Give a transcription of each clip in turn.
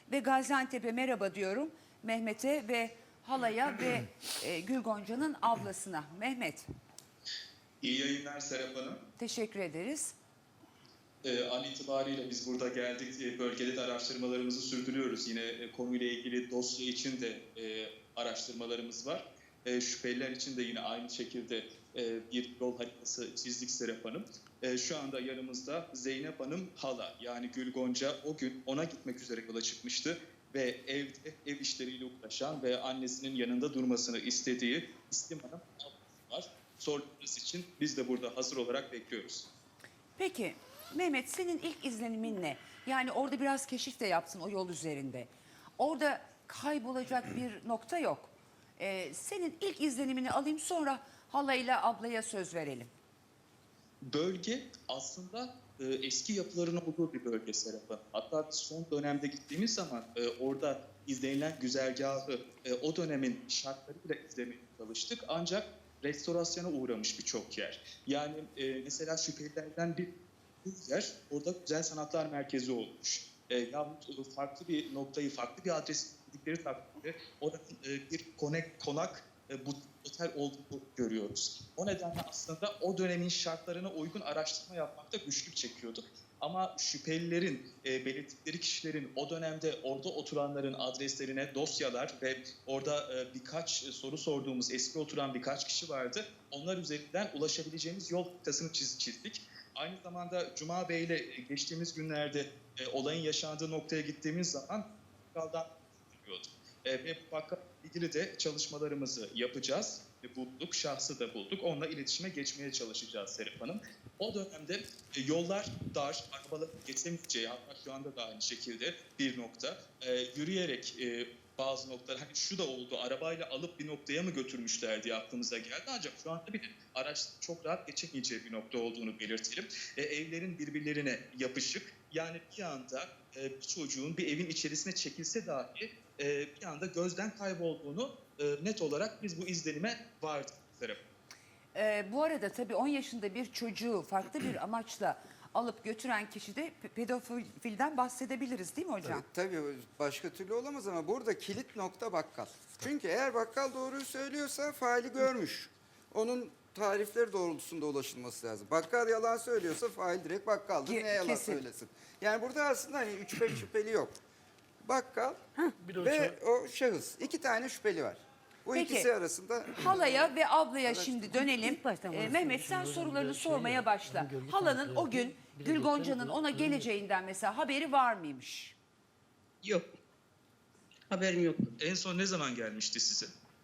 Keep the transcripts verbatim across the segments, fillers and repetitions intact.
ve Gaziantep'e merhaba diyorum. Mehmet'e ve halaya ve e, Gül Gonca'nın ablasına. Mehmet. İyi yayınlar Serap Hanım. Teşekkür ederiz. Ee, an itibariyle biz burada geldik. Ee, bölgede de araştırmalarımızı sürdürüyoruz. Yine e, konuyla ilgili dosya için de e, araştırmalarımız var. E, şüpheliler için de yine aynı şekilde e, bir yol haritası çizdik Serap Hanım. E, şu anda yanımızda Zeynep Hanım hala, yani Gül Gonca o gün ona gitmek üzere yola çıkmıştı. Ve evde ev işleriyle uğraşan ve annesinin yanında durmasını istediği İslim Hanım var. Sorularınız için biz de burada hazır olarak bekliyoruz. Peki Mehmet, senin ilk izlenimin ne? Yani orada biraz keşif de yaptın o yol üzerinde. Orada kaybolacak bir nokta yok. Ee, senin ilk izlenimini alayım, sonra halayla ablaya söz verelim. Bölge aslında e, eski yapıların olduğu bir bölge Serap Hanım. Hatta biz son dönemde gittiğimiz zaman e, orada izlenilen güzergahı e, o dönemin şartlarıyla izlemeye çalıştık. Ancak restorasyona uğramış birçok yer. Yani e, mesela şüphelilerden bir yer orada Güzel Sanatlar Merkezi olmuş. E, yahut farklı bir noktayı, farklı bir adres dedikleri takdirde orada e, bir konak, konak e, bu otel olduğunu görüyoruz. O nedenle aslında o dönemin şartlarına uygun araştırma yapmakta güçlük çekiyorduk. Ama şüphelilerin, e, belirttikleri kişilerin o dönemde orada oturanların adreslerine dosyalar ve orada e, birkaç soru sorduğumuz eski oturan birkaç kişi vardı. Onlar üzerinden ulaşabileceğimiz yol haritasını çiz, çizdik. Aynı zamanda Cuma Bey ile geçtiğimiz günlerde e, olayın yaşandığı noktaya gittiğimiz zaman bakkaldan bahsediyorduk. E, ve bu bakkal ilgili de çalışmalarımızı yapacağız. E, bulduk, şahsı da bulduk. Onunla iletişime geçmeye çalışacağız Serap Hanım. O dönemde e, yollar dar, arabalar geçemeyeceği, hatta şu anda da aynı şekilde bir nokta. E, yürüyerek e, bazı noktalar, hani şu da oldu, arabayla alıp bir noktaya mı götürmüşler diye aklımıza geldi. Ancak şu anda bir araç çok rahat geçemeyeceği bir nokta olduğunu belirtelim. E, evlerin birbirlerine yapışık, yani bir anda e, bir çocuğun bir evin içerisine çekilse dahi e, bir anda gözden kaybolduğunu e, net olarak biz bu izlenime vardık. Ee, bu arada tabii on yaşında bir çocuğu farklı bir amaçla alıp götüren kişi de pe- pedofilden bahsedebiliriz değil mi hocam? Tabii, tabii başka türlü olamaz ama burada kilit nokta bakkal. Çünkü eğer bakkal doğruyu söylüyorsa faili görmüş. Onun tarifleri doğrultusunda ulaşılması lazım. Bakkal yalan söylüyorsa fail direkt bakkaldır. Ke- Niye yalan kesin. söylesin? Yani burada aslında hani üç beş şüpheli yok. Bakkal Bir de o ve o şahıs. İki tane şüpheli var. Bu Peki. ikisi arasında Halaya ve ablaya şimdi dönelim. İlk baştan Ee, bunu Mehmet sen Şimdi sorularını hocam, sormaya şey, başla. hani gölge Halanın tarafı o gün yapıyor, bir de Gül geçen Gonca'nın gün ona öyle. geleceğinden mesela haberi var mıymış? Yok. Haberim yoktu. En son ne zaman gelmişti size?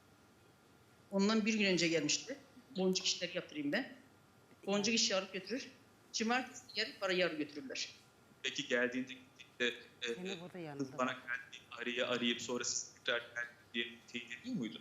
Ondan bir gün önce gelmişti. Boncuk işleri yaptırayım ben. Boncuk işi alıp götürür. Cumartesi yarın para yarı götürürler. Peki geldiğinde gittiğinde e, Seni burada yanında. kız bana geldi, arayı arayıp sonra siz tekrar geldi diye teyit ediyor muydu?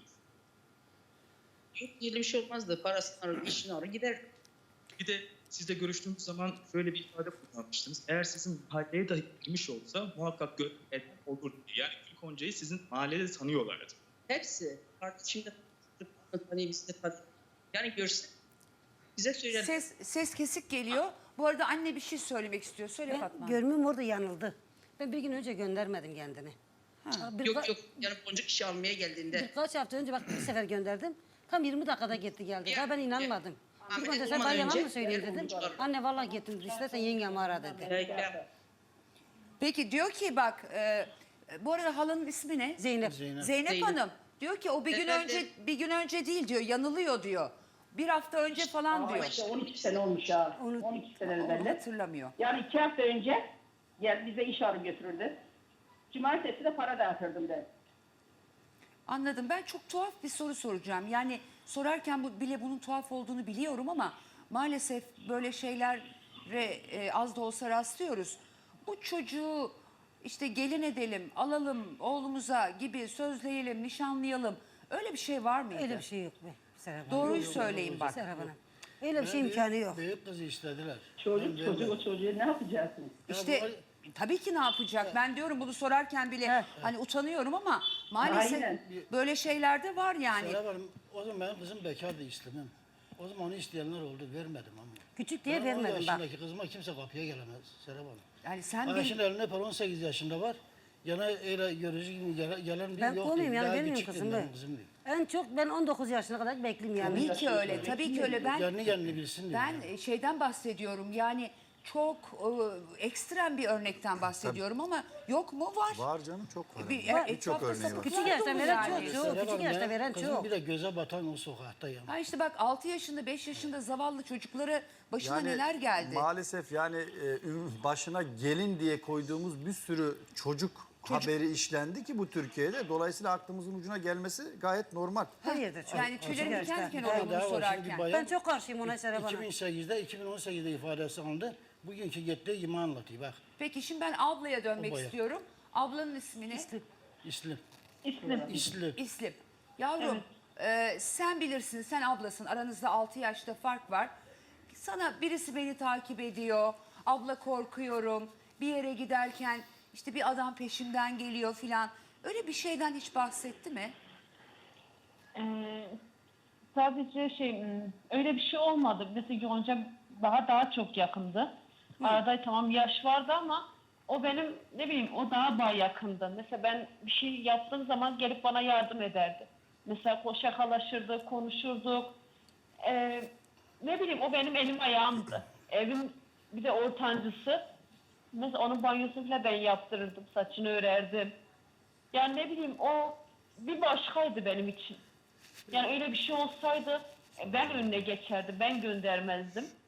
Yok öyle bir şey olmazdı. Parasını alır, işini alır gider. Bir de sizle görüştüğümüz zaman şöyle bir ifade kullanmıştınız. Eğer sizin mahalleye dahi girmiş olsa muhakkak görmek eden olur diye. Yani Gül Gonca'yı sizin mahallede tanıyorlardı. Hepsi. Artık şimdi hani biz de tanıyor. Yani görse bize söyler. Ses ses kesik geliyor. Bu arada anne bir şey söylemek istiyor. Söyle Ben Fatma. görmüm orada yanıldı. Ben bir gün önce göndermedim kendini. Bir, Yok yok. Yani boncuk işi almaya geldiğinde. Birkaç hafta önce bak bir sefer gönderdim. Tam yirmi dakikada gitti geldi. Ya, Daha ben inanmadım. ya. Bir Ahmet önce sen olmadan bana yalan önce mı söyleyeyim diğer dedim. boncuklar- Anne vallahi gittim. İstersen yengemi ara dedi. Ya, Peki diyor ki bak e, bu arada halanın ismi ne? Zeynep. Zeynep. Zeynep, Zeynep. Hanım diyor ki o bir gün Efendim? önce bir gün önce değil diyor, yanılıyor diyor. Bir hafta önce falan Ama diyor. işte on iki sene olmuş ya. Onu- on iki sene Onu belli. hatırlamıyor. Yani iki hafta önce gel bize iş alıp götürürdü. Cumartesi de para dağıtırdım ben. Anladım. Ben çok tuhaf bir soru soracağım. Yani sorarken bu, bile bunun tuhaf olduğunu biliyorum ama maalesef böyle şeylere e, az da olsa rastlıyoruz. Bu çocuğu işte gelin edelim, alalım oğlumuza gibi sözleyelim, nişanlayalım. Öyle bir şey var mıydı? Öyle bir şey yok be. Serap Hanım. Doğruyu söyleyin bak. Serap Hanım. Öyle bir şey imkanı yok. Büyük kızı istediler. Çocuk Ben çocuk verdim. o çocuğu ne yapacaksınız? İşte tabii ki ne yapacak? Ben diyorum bunu sorarken bile Evet. hani utanıyorum ama maalesef Aynen. böyle şeyler de var yani. Serap Hanım, o zaman benim kızım bekardı istemem. O zaman onu isteyenler oldu, vermedim ama. Küçük diye Ben on vermedim bak. yaşındaki kızıma kimse kapıya gelemez Serap Hanım. Yani sen Ama bil- şimdi eline par on sekiz yaşında var. Yana öyle görücü gibi gelen, gelen bir Ben yok kovmayayım değil. yani Daha vermiyorum küçüktür kızım benim ben. kızım değil. En çok ben on dokuz yaşına kadar bekleyeyim yani. Tabii ki öyle, tabii ki öyle. Ben Kendi kendini bilsin diye. ben e, şeyden bahsediyorum. Yani çok e, ekstrem bir örnekten bahsediyorum ama yok mu? Var. Var canım, çok var. Bir, Var. e, Birçok etrafta örneği var. sapıklar Küçük yaşta dolu veren yani. çok, çok. Serap küçük Hanım, yaşta ben veren kızım çok. bir de göze batan o sokaktayım. Ha işte bak altı yaşında beş yaşında zavallı çocuklara başına Yani neler geldi. Maalesef yani e, ün- başına gelin diye koyduğumuz bir sürü çocuk, haberi işlendi ki bu Türkiye'de. Dolayısıyla aklımızın ucuna gelmesi gayet normal. Her yerde çok. Yani tüylerim Küçük diken yaşta. diken Bir oluyor tane bunu daha var, şimdi sorarken. bayan- Ben çok karşıyım ona Serap Hanım. iki bin sekizde, iki bin on sekizde ifadesi alındı. Bugünkü gittiği gibi anlatıyor bak. Peki şimdi ben ablaya dönmek O bayağı. istiyorum. Ablanın ismi ne? İslim. İslim. İslim. İslim. İslim. Yavrum e, sen bilirsin, sen ablasın, aranızda altı yaşta fark var. Sana birisi beni takip ediyor, abla korkuyorum, bir yere giderken işte bir adam peşimden geliyor filan. Öyle bir şeyden hiç bahsetti mi? Ee, sadece şey hmm, öyle bir şey olmadı. Mesela Yonca daha daha çok yakındı. Arada tamam yaş vardı ama o benim ne bileyim o daha daha yakındı. Mesela ben bir şey yaptığım zaman gelip bana yardım ederdi. Mesela ko- şakalaşırdık, konuşurduk. Ee, ne bileyim o benim elim ayağımdı. Evim bir de ortancısı. Mesela onun banyosunu falan ben yaptırırdım, saçını örerdim. Yani ne bileyim o bir başkaydı benim için. Yani öyle bir şey olsaydı ben önüne geçerdim, ben göndermezdim.